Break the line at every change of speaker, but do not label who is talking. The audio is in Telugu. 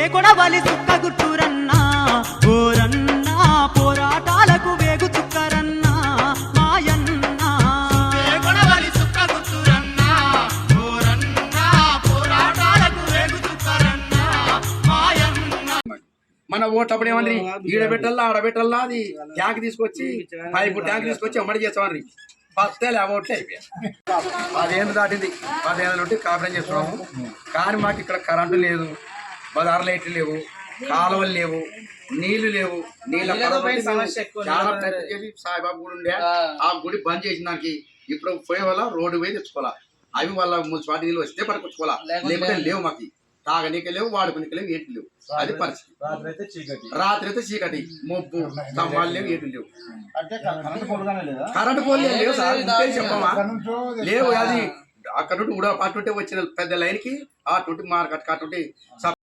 కొడవలి సుక్క గుర్తురన్నా ఓరన్నా పోరాటాలకు వేగు చుక్కరన్నా మాయన్న
కొడవలి సుక్క గుర్తురన్నా ఓరన్నా పోరాటాలకు వేగు చుక్కరన్నా మాయన్న. మన ఓటప్పుడు ఏమని ఈడబెట్టల్లా ఆడబెట్టల్లా అది ట్యాంక్ తీసుకొచ్చి పైపు ట్యాంక్ తీసుకొచ్చి అమ్మడి చేస్తామని పత్తేలే ఆ ఓట్లే అయిపోయాయి. 10 ఏళ్ళు దాటింది. 10 ఏళ్ళ నుండి కాపురం చేస్తున్నాము. కానీ మాకు ఇక్కడ కరెంటు లేదు, బజార్ లైట్లు లేవు, కాలువలు లేవు, నీళ్లు లేవు. చాలా ప్రయత్నం చేసి సాయిబాబు గుడి ఉండే ఆ గుడి బంద్ చేసిన దానికి ఇప్పుడు పోయే వల్ల రోడ్డు పోయి తెచ్చుకోవాలా. అవి వాళ్ళ మున్సిపాలిటీ నీళ్ళు వస్తే పట్టుకొచ్చుకోవాలా, లేకపోతే లేవు. మాకు తాగనీకి లేవు, వాడుకునికి లేవు, ఏంటి లేవు. అది పరిస్థితి. రాత్రి అయితే చీకటి, మొబ్బు, స్తంభాలు లేవు, ఏంటి లేవు. కరెంటు పోలే లేవు సార్, చెప్పమా లేవు. అది అక్కడ నుండి అటుంటే వచ్చిన పెద్ద లైన్ కి అటుంటి మార్కెట్ అటుంటి